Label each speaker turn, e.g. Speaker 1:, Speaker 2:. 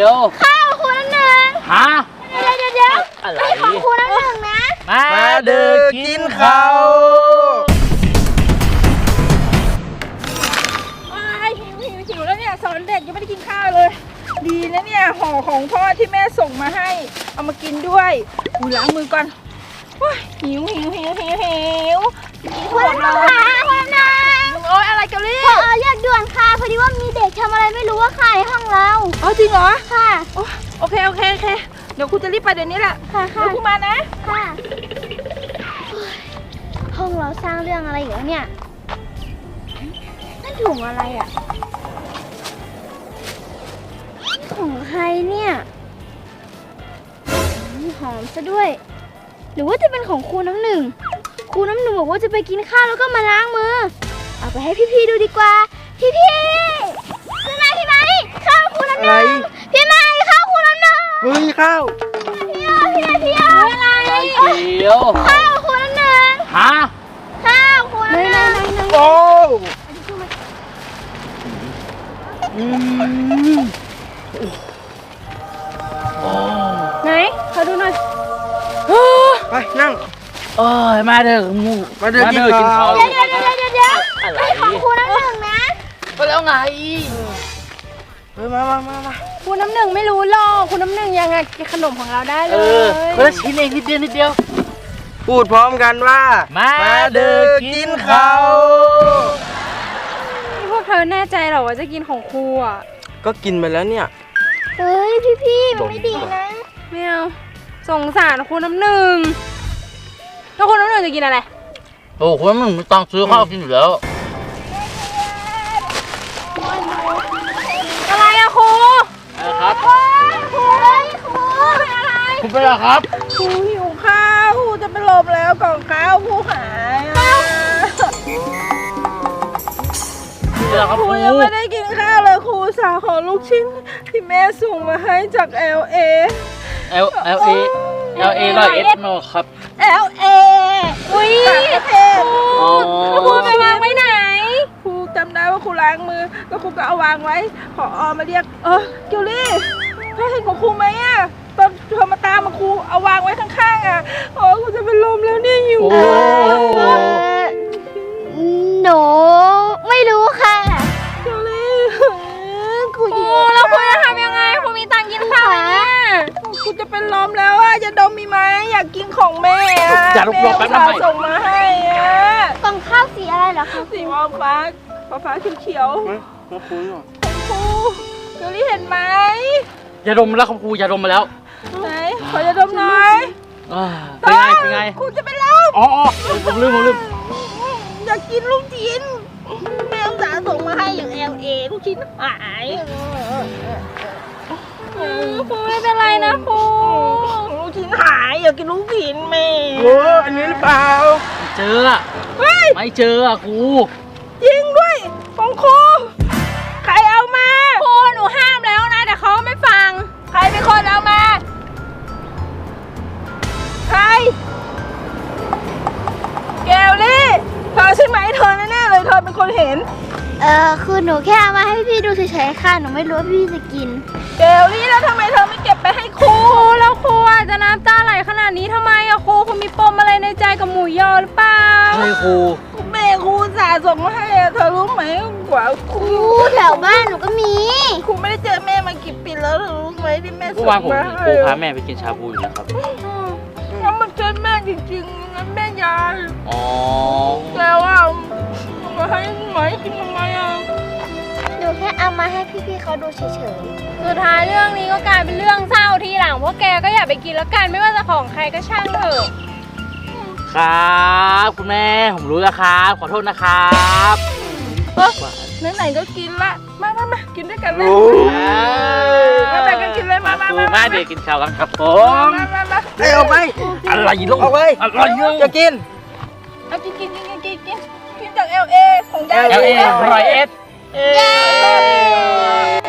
Speaker 1: ยว
Speaker 2: ข้าวครูน้ำหนึ่ง
Speaker 1: ฮะ
Speaker 2: เดี๋ยว
Speaker 1: อะไร
Speaker 2: ของครูน้ำหนึ่งนะ
Speaker 1: มาเด้อกินข้าว
Speaker 3: หิวแล้วเนี่ยสอนเด็กยังไม่ได้กินข้าวเลยดีนะเนี่ยห่อของพ่อที่แม่ส่งมาให้เอามากินด้วยล้างมือก่อนหิวกินขนมเลยโอ๊ยอะไรกันลี่
Speaker 2: เรียกด่วนค่ะพอดีว่ามีเด็กทำอะไรไม่รู้ว่าค่ะในห้องเรา
Speaker 3: จริงเหรอ
Speaker 2: ค่ะ
Speaker 3: โอเคเดี๋ยวครูจะรีบไปเดี๋ยวนี้แหละ
Speaker 2: ค่ะ
Speaker 3: เดี๋ยวครูมานะ
Speaker 2: ค่ะห้องเราสร้างเรื่องอะไรอยู่เนี่ยนั่นถุงอะไรอ่ะของใครเนี่ยหอมซะด้วยหรือว่าจะเป็นของครูน้ำหนึ่งบอกว่าจะไปกินข้าวแล้วก็มาล้างมือเอาไปให้พี่ๆดูดีกว่าพี่ไม้ข้าวครูน้ำหนึ่งพี่ไม้ข้าวครูน้ำหนึ่ง
Speaker 4: เฮ้ยข้าว
Speaker 2: พี่อะไร
Speaker 1: เดี๋ยว
Speaker 2: ข้าวครูน้ำหนึ่ง
Speaker 1: ฮะ
Speaker 2: ข้าวครูน้ำหนึ่ง
Speaker 4: โอ้
Speaker 2: ไหนขอดูหน่อย
Speaker 4: ไปนั่ง
Speaker 1: มาเด้อกินข้าว
Speaker 2: เดี๋ยวไอ้ของครูน้ำหนึ่งนะ
Speaker 1: ก็แล้วไง
Speaker 4: มา
Speaker 2: ครูน้ำหนึ่งไม่รู้หรอกครูน้ำหนึ่งยังไงกินขนมของเราได้เลย
Speaker 1: คนละชิ้นเองนิดเดียว
Speaker 4: พูดพร้อมกันว่า
Speaker 1: มาเด้อกินข้าว
Speaker 3: พวกเธอแน่ใจเหรอว่าจะกินของครูอ่ะ
Speaker 4: ก็กินไปแล้วเนี่ย
Speaker 2: เฮ้ยพี่มันไม่ดีนะ
Speaker 3: ไม่เอาสงสารครูน้ำหนึ่งแล้วครูน้ำหนึ่งจะกินอะไร
Speaker 1: โอ้คุณมันต้องซื้อข้าวกินอยู่แล้ว
Speaker 3: อะไรอะครู
Speaker 1: ครับ
Speaker 3: ครูเป็นอะไร
Speaker 1: คุณเป็นอะไรครับ
Speaker 3: ครูหิวข้าวครูจะเป็นลมแล้วกล่องข้าวครูหายครูยังไม่ได้กินข้าวเลยครูสาวขอลูกชิ้นที่แม่ส่งมาให้จาก LA
Speaker 1: 100 โนครับ
Speaker 3: LA อุ้ยประเทศครูไปวางไว้ไหนครูจำได้ว่าครูล้างมือแล้วครูก็เอาวางไว้ผอ.มาเรียกเกียวลี่เธอเห็นของครูไหมอ่ะตอนเธอมาตามมาครูเอาวางไว้ข้างๆอ่ะครูจะเป็นลมแล้วเนี่ยหิว
Speaker 2: หนูไม่รู้ค่ะ
Speaker 3: เกียวลี่ครูแล้วครูจะทำยังไงครูมีตังค์กินข้าวไหมครูจะเป็นลมแล้วอ่ะจะดมมีไหมอยากกินของแม่
Speaker 1: จะรบแป๊บนึง
Speaker 3: ส่งมาให้
Speaker 2: กล่องข้าวสีอะไรเหรอคะ
Speaker 3: สีฟ้าเขียว
Speaker 4: มาคุยหน่อย
Speaker 3: ครูเกียวลี่เห็นไหม
Speaker 1: ยาดมแล้วครับครูยาดมมาแล้ว
Speaker 3: ไหนขอยาดมหน่อย
Speaker 1: เป็นไง
Speaker 3: ครูจะเป็นลม
Speaker 1: ผมลืม
Speaker 3: อยากกินลูกชิ้นแม่สาส่งมาให้อย่าง LA ลูกชิ้นหายครูไม่เป็นไรนะครูลูกชิ้นหายอยากกินลูกชิ้นแม่
Speaker 4: อันนี้หรือเปล่า
Speaker 1: เจอไม่เจอครู
Speaker 3: จริงด้วยของครูใครเอามาครูหนูห้ามแล้วนะแต่เขาไม่ฟังใครเป็นคนเอามาใครแกวลี่เธอใช่ไหมเธอแน่ๆเลยเธอเป็นคนเห็น
Speaker 2: คือหนูแค่เอามาให้พี่ดูเฉยๆค่ะหนูไม่รู้ว่าพี่จะกิน
Speaker 3: แกวลี่แล้วทำไมเธอไม่เก็บไปให้ครูแล้วครูจะน้ำตาไหลขนาดนี้ทำไมอะครูมีปมอะไรในใจกับหมูยอหรือเปล่า
Speaker 1: ใช่ครู
Speaker 3: แม่ครูสาส่งมาให้เธอรู้ไหมกว่าครู
Speaker 2: แถวบ้านหนูก็มี
Speaker 3: ครูไม่ได้เจอแม่มากี่ปีแล้วรู้ไหมที่แม่ส่งมาให้
Speaker 1: ครูพาแม่ไปกินชาบูอยู่นะครับ
Speaker 3: ถ้ามันเจอแม่จริงๆงั้นแม่ยายแล้วมาให้ไหมกินทำไม
Speaker 2: หนูแค่เอามาให้พี่ๆเขาดูเฉย
Speaker 3: ๆสุดท้ายเรื่องนี้ก็กลายเป็นเรื่องเศร้าทีหลังพวกแกก็อย่าไปกินแล้วกันไม่ว่าจะของใครก็ช่างเถอะ
Speaker 1: ครับคุณแม่ผมรู้แล้วครับขอโทษนะครับ
Speaker 3: ไหนๆก็กินละมากินด้วยกันเลยมาแบ่งกันกินเลยมา
Speaker 1: เด็กกินข้าวกันครับผม
Speaker 4: เอาไป
Speaker 1: อะไรลูก
Speaker 4: เอาไป
Speaker 1: อะไร
Speaker 4: จะกิน
Speaker 3: เอากินจาก LA ของยาย
Speaker 1: LA 100